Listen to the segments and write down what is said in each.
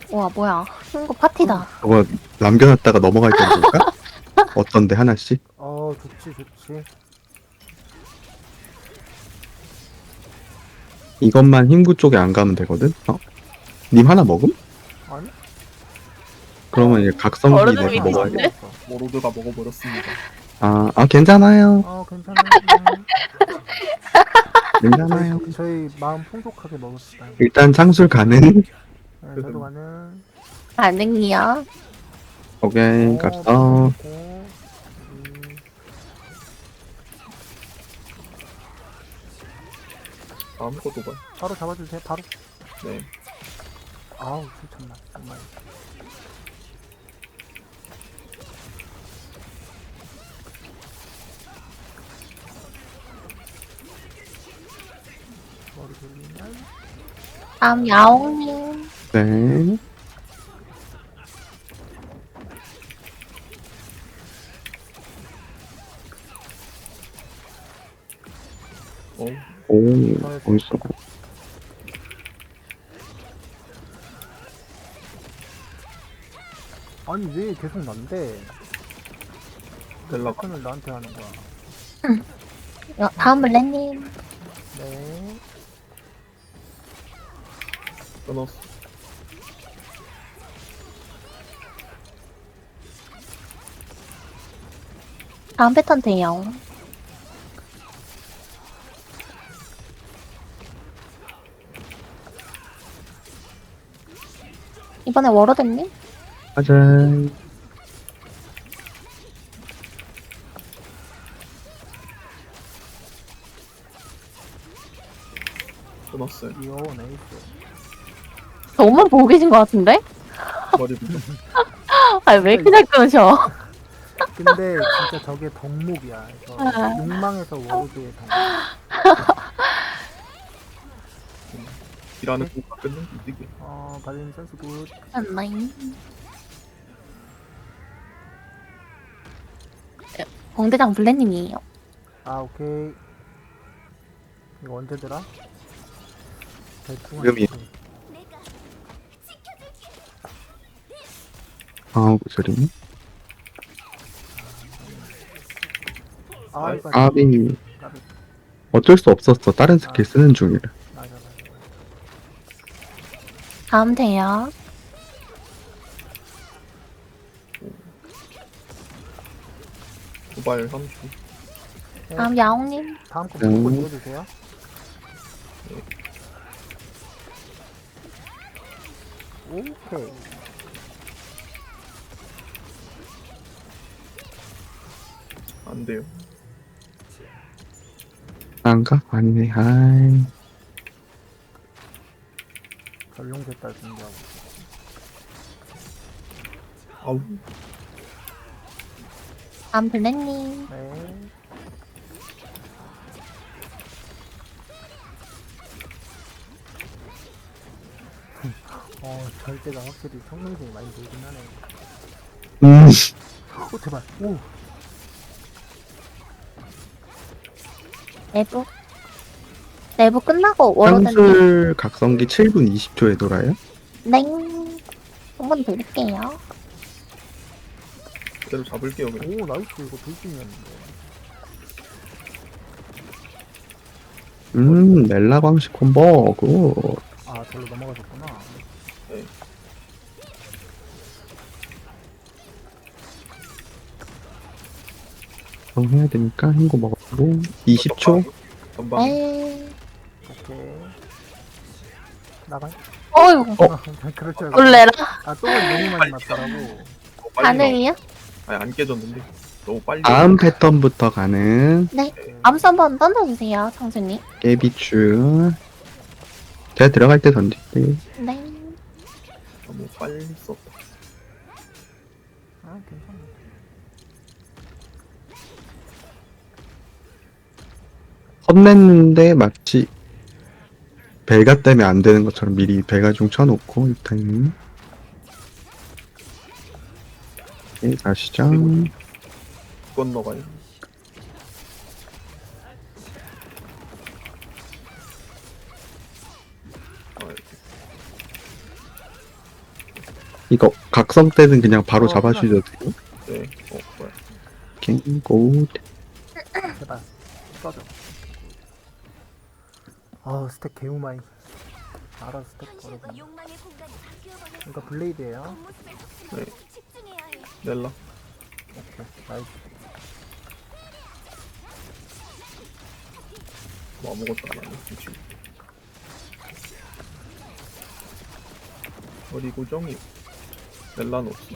와, 뭐야. 친구 파티다. 저거 남겨놨다가 넘어갈 때 볼까? 어떤데 하나씩? 좋지, 좋지. 이것만 흰구 쪽에 안 가면 되거든? 님 하나 먹음? 아니? 그러면 이제 각성기 어른은 내가 믿기 먹어야 돼. 싫은데? 모로드가 먹어버렸습니다. 괜찮아요. 괜찮아요. 괜찮아요. 저희 마음 풍족하게 먹읍시다. 일단 창술 가는. 네, 저도 가는. 반응이요. 오케이, 갔어. 아무것도 봐. 바로 잡아주세요, 바로. 네. 아우, 참나, 정말. 머리 돌리면. 다음 야옹님. 네. 어. 오, 멋있어. 아니, 왜 계속 난데? 벨라가. 을 나한테 하는 거야. 다음 블레님. 네. 끊었어. 다음 패턴 돼요. 이번에 워러드님? 가자. 끊었어요. 이어, 네이스. 저만 보고 계신 것 같은데? 머리 부분. 아니, 왜 이렇게 잘 끊으셔? 근데 진짜 저게 덕목이야. 그래서 아. 욕망에서 워로드의 덕목. 일하는 거 끝는 이득이. 발린 센스 굿. 안나잉. 공대장 블레님이에요. 오케이. 이거 언제더라? 대충 지금이요. 그 소리. 이거 아비. 까비. 어쩔 수 없었어. 다른 스킬 쓰는 중이라. 맞아. 다음 돼요. 도발 3초. 다음 야옹님. 다음 거 무조건 이어주세요. 오케이. 안 돼요. 안가? 아니네. 아이. 전룡제딸 준비하고. 아우. 다음 블레님. 네. 절대가 확실히 성능이 많이 들긴 하네. 제발. 오. 내부. 내부 끝나고 워러드님. 창술 각성기 7분 20초에 돌아요? 넹. 한번 드릴게요. 그대로 잡을게요. 그냥. 오, 나이스. 이거 돌진이었는데. 멜라 광식 콤보. 굿. 절로 넘어가셨구나. 네. 해야 되니까 흰거 먹고 20초. 전방. 네. 오케이. 나가요? 어이구. 그럴 줄 알고. 놀래라. 똥을 너무 많이 맞더라고. 너무 빨리 반응이요? 아니 안 깨졌는데 너무 빨리. 다음 패턴부터 가는 네. 암수 한번 던져주세요, 창수님. 깨비추. 제가 들어갈 때 던질게요. 네. 너무 빨리 썼다. 괜찮아. 헛냈는데 마치 벨가 때문에 안 되는 것처럼 미리 벨가 중 쳐놓고 일단 가시죠. 건너가요. 이거 각성 때는 그냥 바로 어, 잡아주셔도 돼요. 네. 뭐야. 오케이, 고. 제발 꺼져. 아우 스택 개우마이. 알아 스택 버려. 이거 블레이드예요. 네. 넬라. 오케이 나이스. 뭐 아무것도 안 하네. 지금. 어디 고정이 넬라는 없어.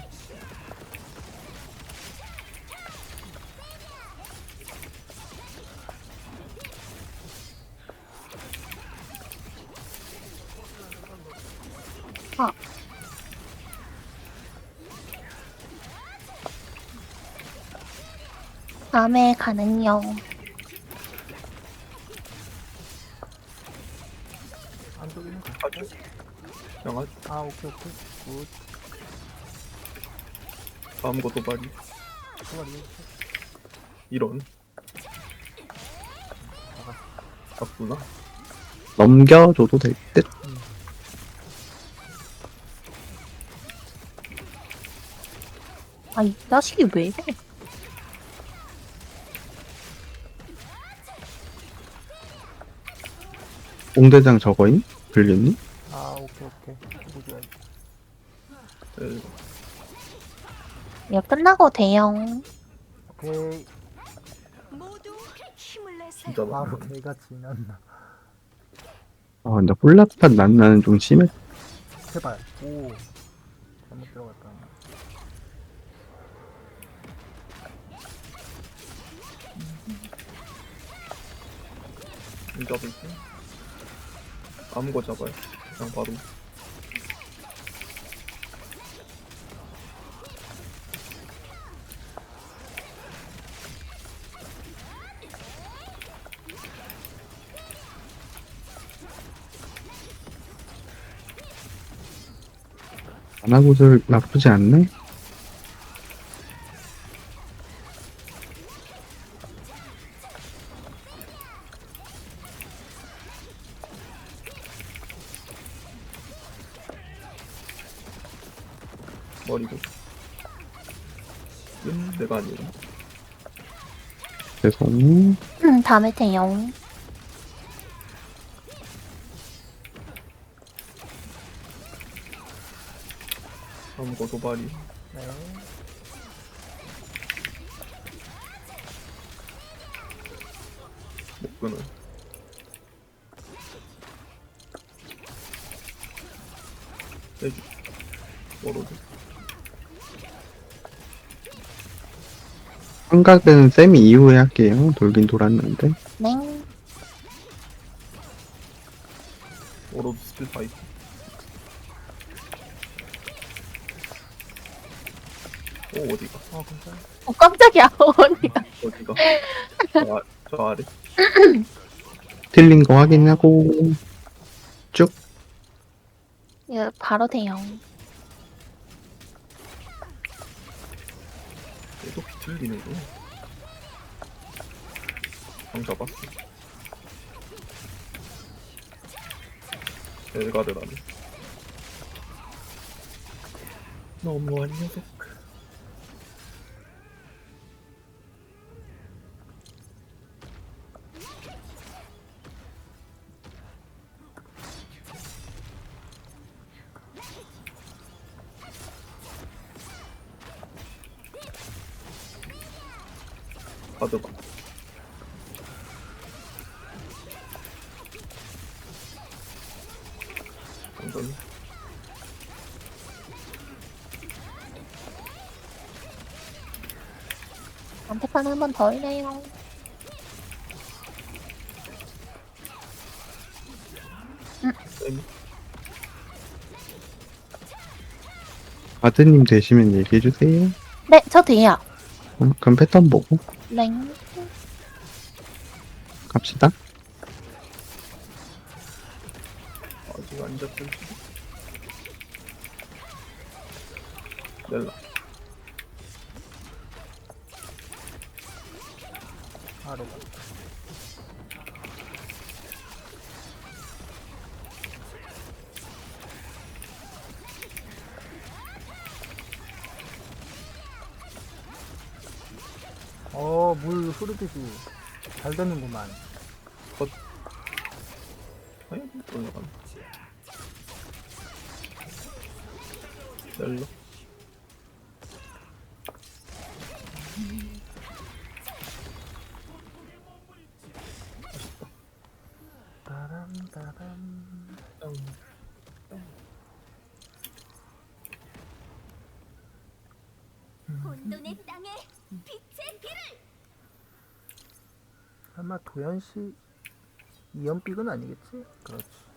다음에 가는요. 안쪽에는 아주 그냥 아주 아 오케이 굿. 다음 거 도발이 도발이. 이런. 맞구나. 넘겨줘도 될 듯. 아, 이 자식이 왜 이래? 옹대장 저거임? 불렸니? 아 오케이. 보줘야지. 네. 이거 끝나고 대형. 오케이. 진짜 나. 바로 개가 지났나. 아, 근데 홀라판 난나는 좀 심해. 제발. 오. 잘못 들어갔다. 이 잡을게. 아무 거 잡아요. 그냥 바로. 안하고들 나쁘지 않네? 머리고. 내가 아니라. 죄송. 다음에 대형. 다음 거 도발이. 네. 못 끊어. 해주. 워로드. 환각은 쌤이 이후에 할게요. 돌긴 돌았는데. 네. 워로드 스킬 파이트. 오 어디가? 괜찮아. 깜짝이야, 언니가. 어디가? 저 아래. 틀린 거 확인하고. 쭉. 이거 바로 대형. 얘도 비틀리는구나. 방 잡았어. 엘가를 하네. 너무한 녀석. 가져가. 완전 안테판 한 번 더 올려요. 쌤. 아드님 되시면 얘기해주세요. 네, 저 돼요. 그럼 패턴 보고 랭. 갑시다. 아직 안 잡혔지. 넬라. 아래가. 물 흐르듯이 잘 되는구만. 아니 올라가네. 넬로. 따람따람. 혼돈의 땅에 빛의 길을. 아마 도현씨 이연픽은 아니겠지? 그렇지.